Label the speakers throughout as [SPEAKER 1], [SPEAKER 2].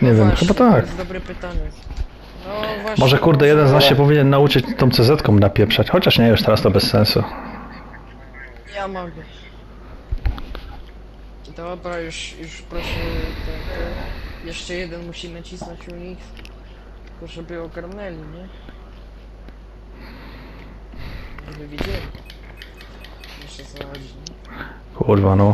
[SPEAKER 1] Nie wiem,
[SPEAKER 2] właśnie,
[SPEAKER 1] chyba tak.
[SPEAKER 2] To jest dobre pytanie. No właśnie.
[SPEAKER 1] Może kurde, jeden z nas się powinien nauczyć tą CZ-ką napieprzać. Chociaż nie, już teraz to bez sensu.
[SPEAKER 2] Ja mogę. Dobra, już proszę. Jeszcze jeden musi nacisnąć u nich. Tylko żeby ogarnęli, nie? Żeby wiedzieli. Jeszcze co chodzi, nie?
[SPEAKER 1] Kurwa, no.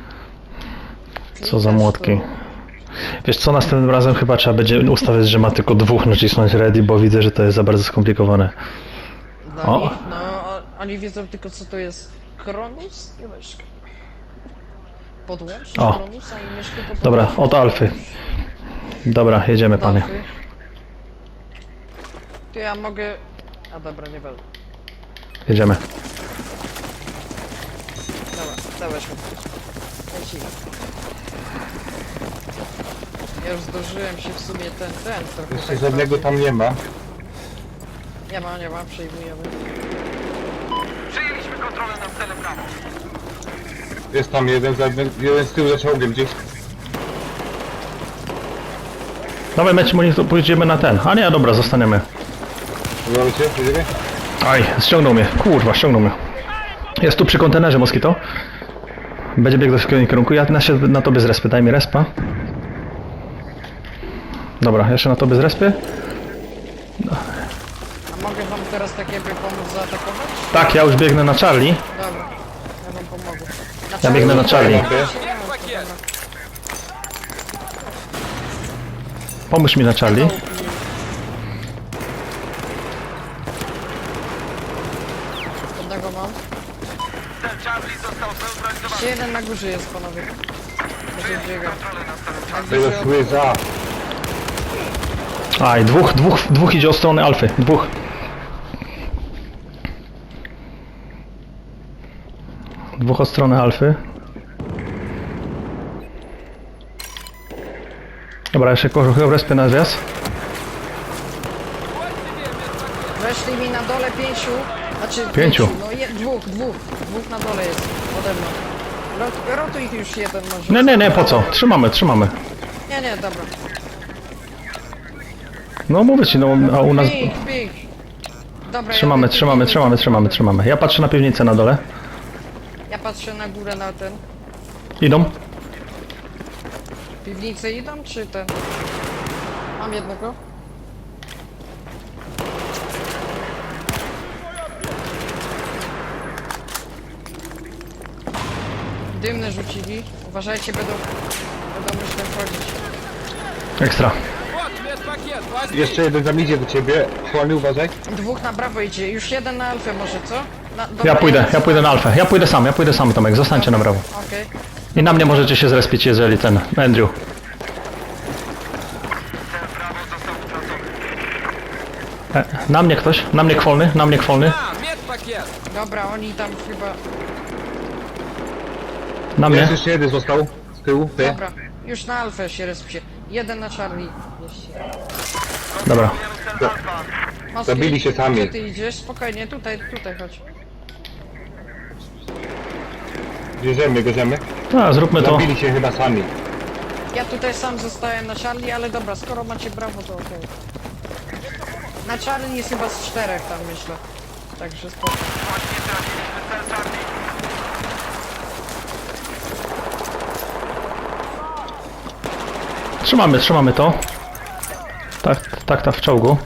[SPEAKER 1] Co za młotki. Wiesz co, następnym razem chyba trzeba będzie ustawiać, że ma tylko dwóch nacisnąć ready, bo widzę, że to jest za bardzo skomplikowane.
[SPEAKER 2] Dla
[SPEAKER 1] O.
[SPEAKER 2] nich, no, oni wiedzą tylko co to jest Kronus i myszka. Podłącz
[SPEAKER 1] O.
[SPEAKER 2] Kronusa i myszkę to
[SPEAKER 1] Dobra,
[SPEAKER 2] podłączysz.
[SPEAKER 1] od Alfy. Dobra, jedziemy, panie.
[SPEAKER 2] Alfy. To ja mogę... A dobra, nie będę.
[SPEAKER 1] Jedziemy.
[SPEAKER 2] Dobra, dawaj szybko. Lecimy. Ja już zdążyłem się w sumie ten trochę
[SPEAKER 3] Jeszcze
[SPEAKER 2] tak
[SPEAKER 3] żadnego tam nie ma.
[SPEAKER 2] Nie ma, przejmujemy.
[SPEAKER 4] Przyjęliśmy kontrolę nad celem prawo.
[SPEAKER 3] Jest tam jeden z tyłu za czołgiem gdzieś.
[SPEAKER 1] Dawaj, mecz, to pójdziemy na ten. A nie, dobra, zostaniemy.
[SPEAKER 3] Udało cię? Jedziemy?
[SPEAKER 1] Aj, ściągnął mnie. Kurwa, ściągnął mnie. Jest tu przy kontenerze, Moskito. Będzie biegł w swoim kierunku. Ja na tobie zrespię. Daj mi respa. Dobra, jeszcze na tobie zrespię.
[SPEAKER 2] A mogę wam teraz tak jakby pomóc zaatakować?
[SPEAKER 1] Tak, ja już biegnę na Charlie.
[SPEAKER 2] Dobra, ja wam pomogę.
[SPEAKER 1] Ja biegnę na Charlie. Pomóż mi na Charlie.
[SPEAKER 2] Jednego mam.
[SPEAKER 4] Cel Charlie został zneutralizowany.
[SPEAKER 2] Jeszcze jeden na górze jest, panowie. Będzie biegał. Na
[SPEAKER 3] Tego
[SPEAKER 2] górze
[SPEAKER 3] słyza.
[SPEAKER 1] Aj, dwóch idzie od strony Alfy. Dwóch. Dwóch od strony Alfy. Dobra, jeszcze kogoś respy na zjazd.
[SPEAKER 2] weszli mi na dole pięciu. Znaczy
[SPEAKER 1] Pięciu.
[SPEAKER 2] No dwóch na dole jest ode mną. Rotuj ich już jeden może.
[SPEAKER 1] Nie, po co? Trzymamy.
[SPEAKER 2] Nie, dobra.
[SPEAKER 1] No mówię ci, no a u nas...
[SPEAKER 2] Pik. Dobra,
[SPEAKER 1] Trzymamy. Ja patrzę na piwnicę na dole.
[SPEAKER 2] Ja patrzę na górę na ten.
[SPEAKER 1] Idą.
[SPEAKER 2] Piwnicę idą czy ten? Mam jednego. Dymne rzucili. Uważajcie, będą myślę wchodzić.
[SPEAKER 1] Ekstra.
[SPEAKER 3] Jeszcze jeden tam idzie do ciebie. Chłony, uważaj.
[SPEAKER 2] Dwóch na prawo idzie. Już jeden na alfę może, co? Dobra,
[SPEAKER 1] Ja pójdę na Alfę. Ja pójdę sam, Tomek. Zostańcie na brawo.
[SPEAKER 2] Okej.
[SPEAKER 1] I na mnie możecie się zrespić, jeżeli ten... Andrew.
[SPEAKER 4] Cel prawo został utracony.
[SPEAKER 1] Na mnie ktoś? Na mnie kwolny?
[SPEAKER 2] Dobra, oni tam chyba...
[SPEAKER 1] Na mnie?
[SPEAKER 3] Jest jeszcze jeden został. Z tyłu. Ty.
[SPEAKER 2] Dobra, już na alfę się respcie. Jeden na Charlie.
[SPEAKER 1] Dobra.
[SPEAKER 4] Cel alfa.
[SPEAKER 2] Moski,
[SPEAKER 3] Zabili się sami.
[SPEAKER 2] Gdzie ty idziesz? Spokojnie, tutaj chodź.
[SPEAKER 3] Bierzemy.
[SPEAKER 1] A, zróbmy to.
[SPEAKER 3] Zabili się chyba sami.
[SPEAKER 2] Ja tutaj sam zostałem na Charlie, ale dobra, skoro macie brawo, to okej. Na Charlie jest chyba z 4 tam, myślę. Także spoko.
[SPEAKER 4] Właśnie traciliśmy cel Charlie.
[SPEAKER 1] Trzymamy to. Tak, w czołgu.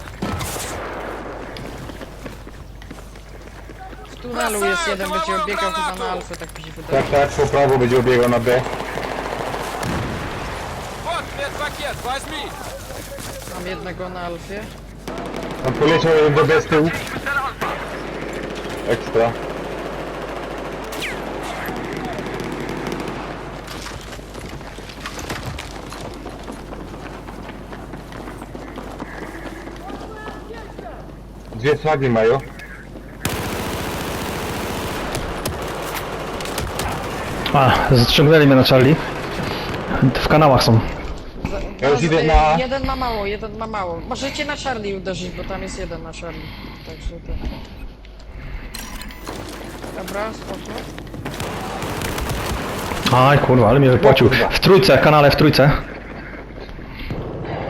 [SPEAKER 2] W tunelu jest jeden, będzie biegał chyba na alfę, tak mi się wydaje.
[SPEAKER 3] Tak, po prawo będzie obiegał na B.
[SPEAKER 2] Mam jednego na alfie.
[SPEAKER 3] On poleciał jeden do B z tyłu. Ekstra. Dwie flagi mają.
[SPEAKER 1] A, ściągnęli mnie na Charlie. W kanałach są.
[SPEAKER 3] Ja już idę na...
[SPEAKER 2] Jeden ma mało. Możecie na Charlie uderzyć, bo tam jest jeden na Charlie. Także to... Dobra, spoko.
[SPEAKER 1] Aj, kurwa, ale mnie wypłacił. W trójce, kanale w trójce.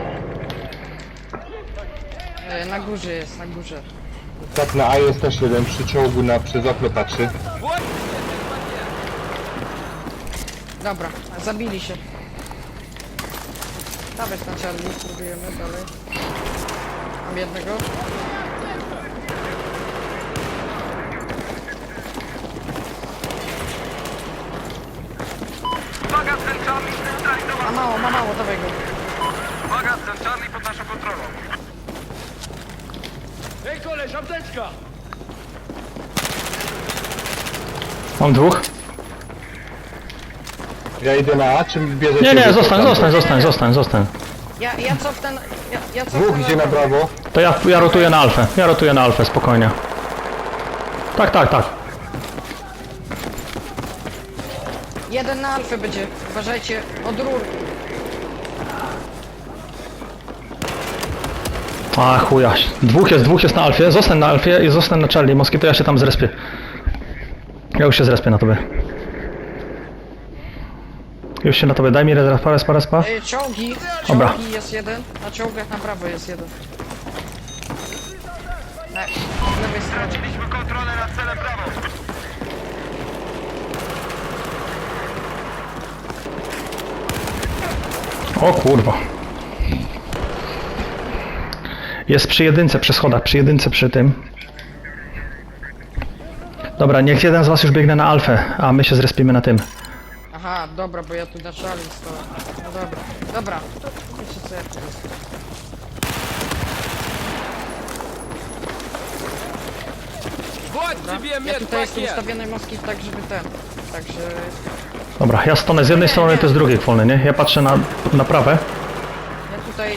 [SPEAKER 2] górze jest, na górze.
[SPEAKER 3] Tak, na A jest też jeden przy czołgu przez okno patrzy.
[SPEAKER 2] Dobra, zabili się. Dawać na Charlie, spróbujemy dalej. Mam jednego.
[SPEAKER 4] Magazyn Charlie zneutralizowany.
[SPEAKER 2] Ma mało, dawaj go.
[SPEAKER 4] Magazyn Charlie pod naszą kontrolą.
[SPEAKER 1] Mam dwóch.
[SPEAKER 3] Ja idę na A, czy bierzecie...
[SPEAKER 1] Nie,
[SPEAKER 3] wy
[SPEAKER 1] zostań,
[SPEAKER 3] tam?
[SPEAKER 1] zostań.
[SPEAKER 2] Ja cofnę, ja cofnę
[SPEAKER 3] Dwóch idzie na prawo.
[SPEAKER 1] To ja rotuję na alfę, spokojnie. Tak.
[SPEAKER 2] Jeden na alfę będzie, uważajcie, od rur.
[SPEAKER 1] A chuja. Dwóch jest na alfie, zostań na alfie i zostań na Charlie. Moskito, ja się tam zrespię. Ja już się zrespię na tobie. Już się na tobie, daj mi respa.
[SPEAKER 2] Czołgi
[SPEAKER 1] Dobra.
[SPEAKER 2] jest jeden, na czołgach na prawo jest jeden. Na od lewej stronie.
[SPEAKER 4] Straciliśmy kontrolę nad celem Brawo.
[SPEAKER 1] O kurwa. Jest przy jedynce, przy schodach, przy tym. Dobra, niech jeden z was już biegnie na alfę, a my się zrespimy na tym.
[SPEAKER 2] Aha, dobra, bo ja tu na Charlie stoję. No dobra. Wiecie co ja tu jest. Ja tutaj jestem ustawiony moskit tak, żeby ten. Także
[SPEAKER 1] Dobra, ja stanę z jednej strony, to z drugiej wolny, nie? Ja patrzę na prawe.
[SPEAKER 2] ja tutaj...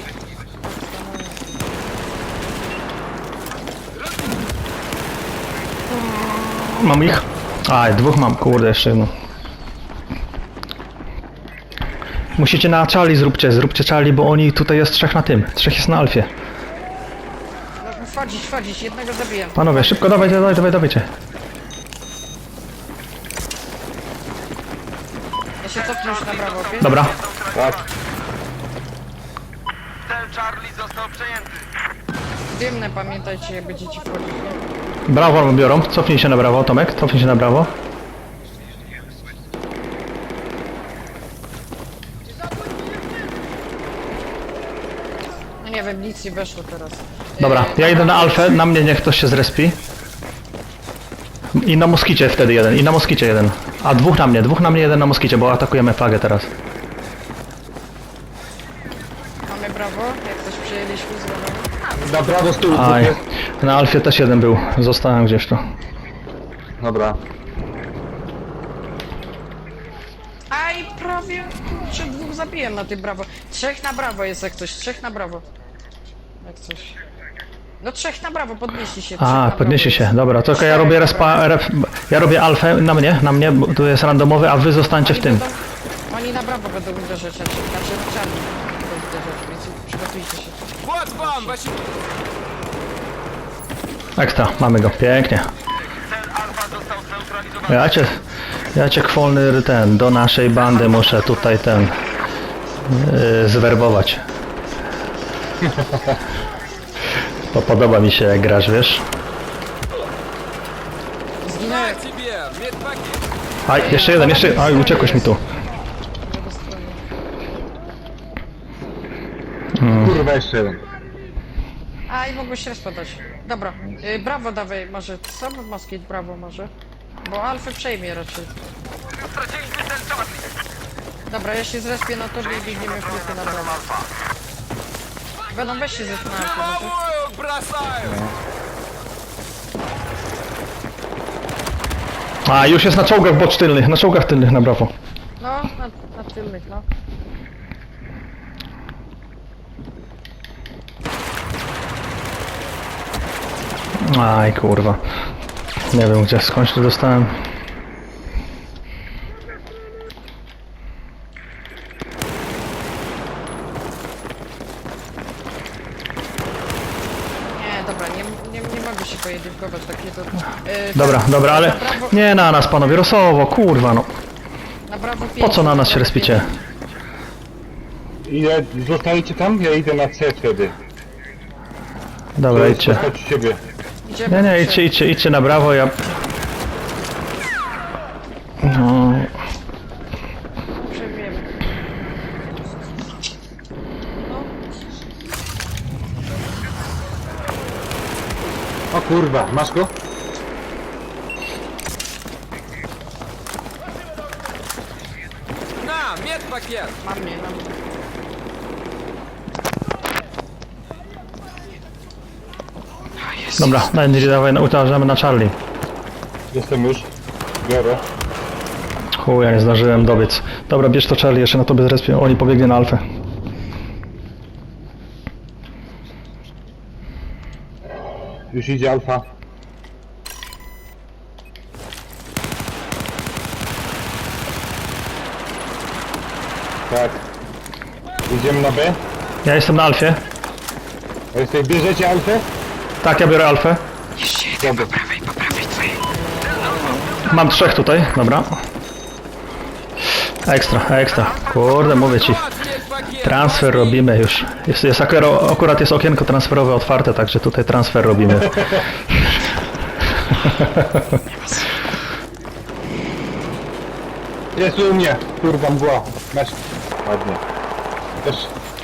[SPEAKER 1] Mam ich. Aj, dwóch mam, kurde, jeszcze jedno. Musicie na Charlie zróbcie Charlie, bo oni tutaj jest trzech na tym. Trzech jest na alfie.
[SPEAKER 2] No, wchodzić, jednego zabiję.
[SPEAKER 1] Panowie, szybko, dawajcie.
[SPEAKER 2] Ja się cofnę już na brawo, okej?
[SPEAKER 1] Dobra.
[SPEAKER 3] Tak.
[SPEAKER 4] Cel Charlie został przejęty.
[SPEAKER 2] Dymne, pamiętajcie, jak będziecie wchodzić.
[SPEAKER 1] Brawo biorą. Cofnij się na brawo, Tomek. Cofnij się na brawo.
[SPEAKER 2] No nie wiem, nic nie weszło teraz.
[SPEAKER 1] Dobra, ja idę na alfę, na mnie niech ktoś się zrespi. I na moskicie wtedy jeden. A dwóch na mnie, jeden na moskicie, bo atakujemy flagę teraz.
[SPEAKER 2] Mamy brawo, jak coś przejęliśmy z lewej.
[SPEAKER 3] Na prawo z tyłu
[SPEAKER 1] Aj,
[SPEAKER 3] jest.
[SPEAKER 1] na alfie też jeden był. Zostałem gdzieś tu.
[SPEAKER 3] Dobra.
[SPEAKER 2] Aj, prawie, kurczę, dwóch zabiłem na tym brawo. Trzech na brawo jest jak coś, trzech na brawo. Jak coś. No trzech na brawo, podnieśli się. trzech
[SPEAKER 1] A,
[SPEAKER 2] na
[SPEAKER 1] podniesie
[SPEAKER 2] brawo
[SPEAKER 1] się.
[SPEAKER 2] jest.
[SPEAKER 1] Dobra, to ja
[SPEAKER 2] Czterech
[SPEAKER 1] robię
[SPEAKER 2] na brawo.
[SPEAKER 1] ja robię alfę na mnie, bo tu jest randomowy, a wy zostańcie w tym.
[SPEAKER 2] Oni na brawo będą uderzać, znaczy na czarni będą uderzać, więc przygotujcie się.
[SPEAKER 1] Ekstra, mamy go, pięknie.
[SPEAKER 4] Cel Alfa został zneutralizowany.
[SPEAKER 1] Ja cię kwolny do naszej bandy muszę tutaj zwerbować. Bo podoba mi się jak grasz, wiesz?
[SPEAKER 2] Zginąłem.
[SPEAKER 1] Aj, jeszcze jeden, aj, uciekłeś mi tu.
[SPEAKER 3] Kurwa, jeszcze jeden.
[SPEAKER 2] A i mogłeś rozpadać. Dobra, brawo dawaj, może sam moskit, brawo może. Bo alfę przejmie raczej.
[SPEAKER 4] Straciliśmy cel Charlie.
[SPEAKER 2] Dobra, ja się zrespię na tobie i biegniemy w klipy na brawo. Będą weź się zresztą na alfę, może.
[SPEAKER 1] A, już jest na czołgach tylnych, na czołgach tylnych na brawo.
[SPEAKER 2] No, na tylnych, no.
[SPEAKER 1] Aj, kurwa. Nie wiem gdzie, skądś to dostałem.
[SPEAKER 2] Nie, dobra, nie mogę się pojedynkować, takie to...
[SPEAKER 1] Dobra, ale
[SPEAKER 2] Na brawo,
[SPEAKER 1] nie na nas, panowie, rosowo, kurwa, no.
[SPEAKER 2] na brawo
[SPEAKER 1] Po co na nas się respicie?
[SPEAKER 3] Ile zostajecie tam? Ja idę na C wtedy.
[SPEAKER 1] Dobra, idźcie.
[SPEAKER 3] Chodź ciebie.
[SPEAKER 2] Idziemy.
[SPEAKER 1] Nie, idźcie na brawo, ja... No,
[SPEAKER 2] Przejmiemy.
[SPEAKER 3] O kurwa, masz go?
[SPEAKER 4] Na, медпакет!
[SPEAKER 2] Mam mnie, mam mnie.
[SPEAKER 1] dobra, dawaj, uważamy na Charlie.
[SPEAKER 3] Jestem już. Biorę.
[SPEAKER 1] Chuj, ja nie zdążyłem dobiec. Dobra, bierz to Charlie, jeszcze na tobie zrespię. Oni pobiegnie na Alfę.
[SPEAKER 3] Już idzie alfa. Tak. Idziemy na B.
[SPEAKER 1] Ja jestem na Alfie.
[SPEAKER 3] A jesteś, bierzecie alfę?
[SPEAKER 1] Tak, ja biorę Alfę.
[SPEAKER 3] Dobra.
[SPEAKER 1] Mam 3 tutaj, dobra. Ekstra. Kurde, mówię ci. Transfer robimy już. Akurat jest okienko transferowe otwarte, także tutaj transfer robimy.
[SPEAKER 3] Jest u mnie. Kurwa mgła. Masz. Ładnie. Też.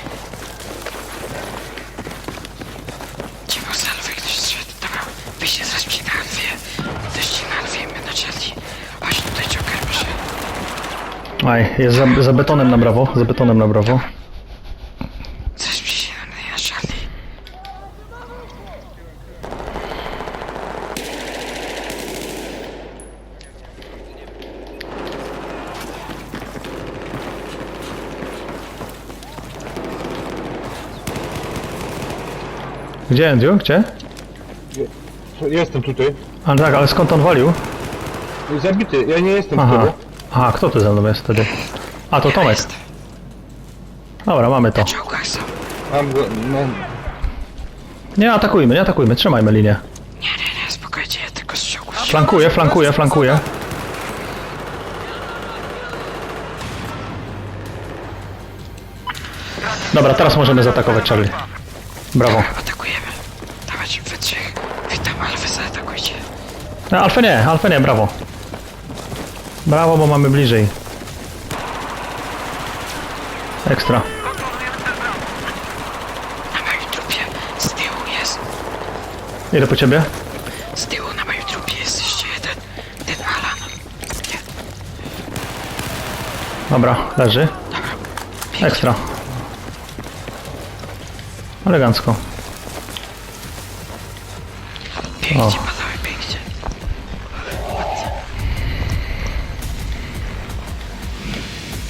[SPEAKER 5] Cicho z Alfy ktoś zszedł. Dobra, wyjście zaraz przy na Alfie. Dość na Alfie, my na Charlie. Chodź tutaj, Joker, proszę.
[SPEAKER 1] Aj, jest za betonem na brawo,
[SPEAKER 5] Zaraz przy na Charlie.
[SPEAKER 1] Gdzie, Andrew? Gdzie?
[SPEAKER 3] Jestem tutaj.
[SPEAKER 1] Ale tak, ale skąd on walił?
[SPEAKER 3] Zabity. Ja nie jestem
[SPEAKER 1] Aha.
[SPEAKER 3] wtedy.
[SPEAKER 1] Aha, kto tu ze mną jest wtedy? A, to Tomek. Dobra, mamy to.
[SPEAKER 5] W czołgach są.
[SPEAKER 3] Mam go. No.
[SPEAKER 1] Nie atakujmy, trzymajmy linię.
[SPEAKER 5] Nie, spokojnie, ja tylko z czołgów.
[SPEAKER 1] Flankuję. Dobra, teraz możemy zaatakować Charlie. Brawo.
[SPEAKER 5] Atakujemy. Dawać we trzech. Witam, Alfę, zaatakujcie.
[SPEAKER 1] Alfę nie, brawo. Brawo, bo mamy bliżej. Ekstra.
[SPEAKER 5] Na moim trupie. Z tyłu jest.
[SPEAKER 1] Idę po ciebie.
[SPEAKER 5] Z tyłu na moim trupie jest jeszcze jeden. Ten Alan. Nie.
[SPEAKER 1] Dobra, leży. Ekstra. Elegancko.
[SPEAKER 5] Pięknie,
[SPEAKER 1] O.
[SPEAKER 5] panowie.